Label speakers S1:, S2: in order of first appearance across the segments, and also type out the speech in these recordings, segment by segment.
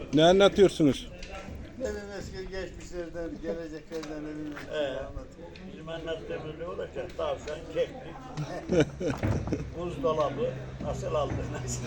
S1: Ne anlatıyorsunuz?
S2: Benim eski geçmişlerden, geleceklerden anlatıyor.
S3: Bizim anlattığımız ne olacak? Tavşan, keklik, buzdolabı nasıl aldınız?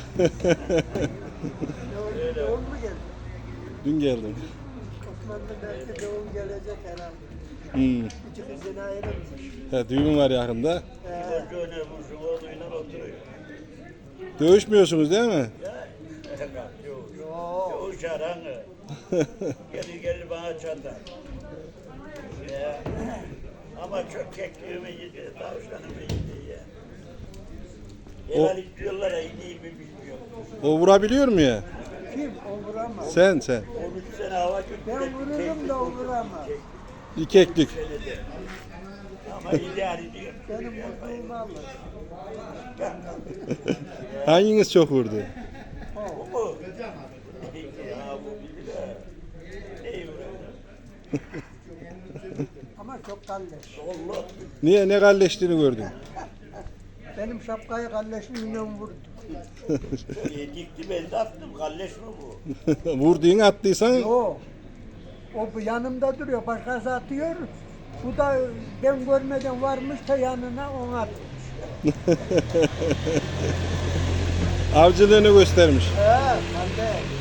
S3: Öyle.
S2: Doğum mu geldi?
S1: Dün geldim.
S2: Osmanlı belki doğum gelecek herhalde.
S1: Hmm.
S2: Küçük izine ayrılmış.
S1: He, düğün var yakında.
S3: Çocuğuna vursun, oğluyla oturuyor.
S1: Dövüşmüyorsunuz değil mi?
S3: Ya, yok.
S2: Yok.
S3: Yok şaranı. Gelir bana çatar. Ya. Ama çok kekliğimi yedi, tavşanımı yedi ya.
S1: O-
S3: Helal diyorlar ya, iyi mi bilmiyorum.
S1: O vurabiliyor mu ya?
S2: Kim? O vuramaz.
S1: Sen.
S3: 13 sene hava gitti.
S2: Ben vururum da o vuramaz.
S1: İkeklik.
S3: Senede. Ama idare ediyor.
S2: Benim vurduğumu alır.
S1: Hanginiz çok vurdu?
S3: Bu mu? Ya bu bilir ha. Neyi vuruyor?
S2: Ama çok kalleş.
S3: Allah.
S1: Niye ne kalleştiğini gördün?
S2: Benim şapkayı kalleşli milyon vurdu.
S3: Dikti ben de attım. Kalleş mi bu?
S1: Vurduğunu attıysan
S2: Yok. O bu yanımda duruyor. Başkası atıyor. Bu da ben görmeden varmış da yanına onu atmış.
S1: avcılığını göstermiş.
S2: He, ben de.